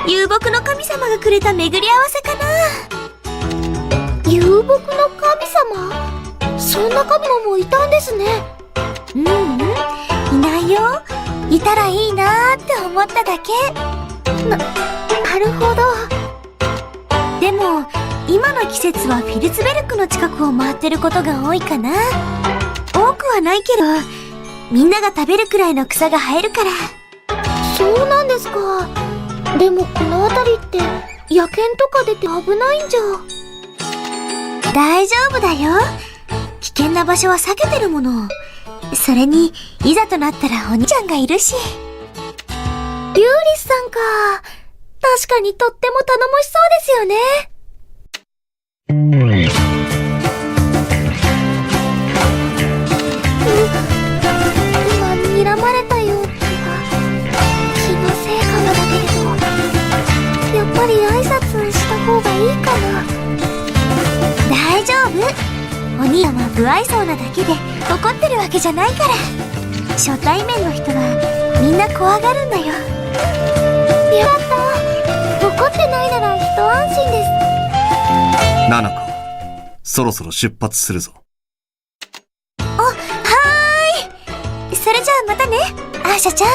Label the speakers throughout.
Speaker 1: 遊牧の神様がくれた巡り合わせかな。
Speaker 2: 遊牧の神様？そんな神もいたんですね。
Speaker 1: いないよ。いたらいいなーって思っただけ。
Speaker 2: なるほど。
Speaker 1: でも今の季節はフィルツベルクの近くを回ってることが多いかな。多くはないけど、みんなが食べるくらいの草が生えるから。
Speaker 2: そうなんですか。でもこの辺りって野犬とか出て危ないんじゃ。
Speaker 1: 大丈夫だよ。危険な場所は避けてるもの。それにいざとなったらお兄ちゃんがいるし。
Speaker 2: リューリスさんか。確かにとっても頼もしそうですよね。今睨まれたような気のせいかもだけれど、やっぱり挨拶した方がいいかな。
Speaker 1: 大丈夫。お兄さんは不愛想なだけで怒ってるわけじゃないから。初対面の人はみんな怖がるんだよ。
Speaker 2: やった。怒ってないなら一安心です。
Speaker 3: ナナコ、そろそろ出発するぞ。
Speaker 1: はーい。それじゃあまたね、アーシャちゃん。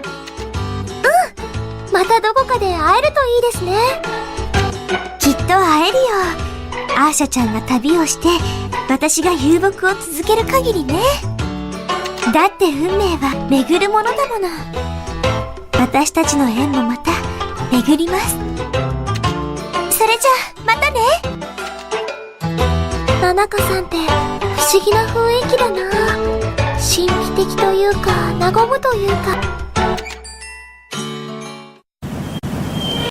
Speaker 2: またどこかで会えるといいですね。
Speaker 1: きっと会えるよ。アーシャちゃんが旅をして私が遊牧を続ける限りね。だって運命は巡るものだもの。私たちの縁もまた巡ります。それじゃあまたね。
Speaker 2: ナナカさんって不思議な雰囲気だな。神秘的というか和むというか。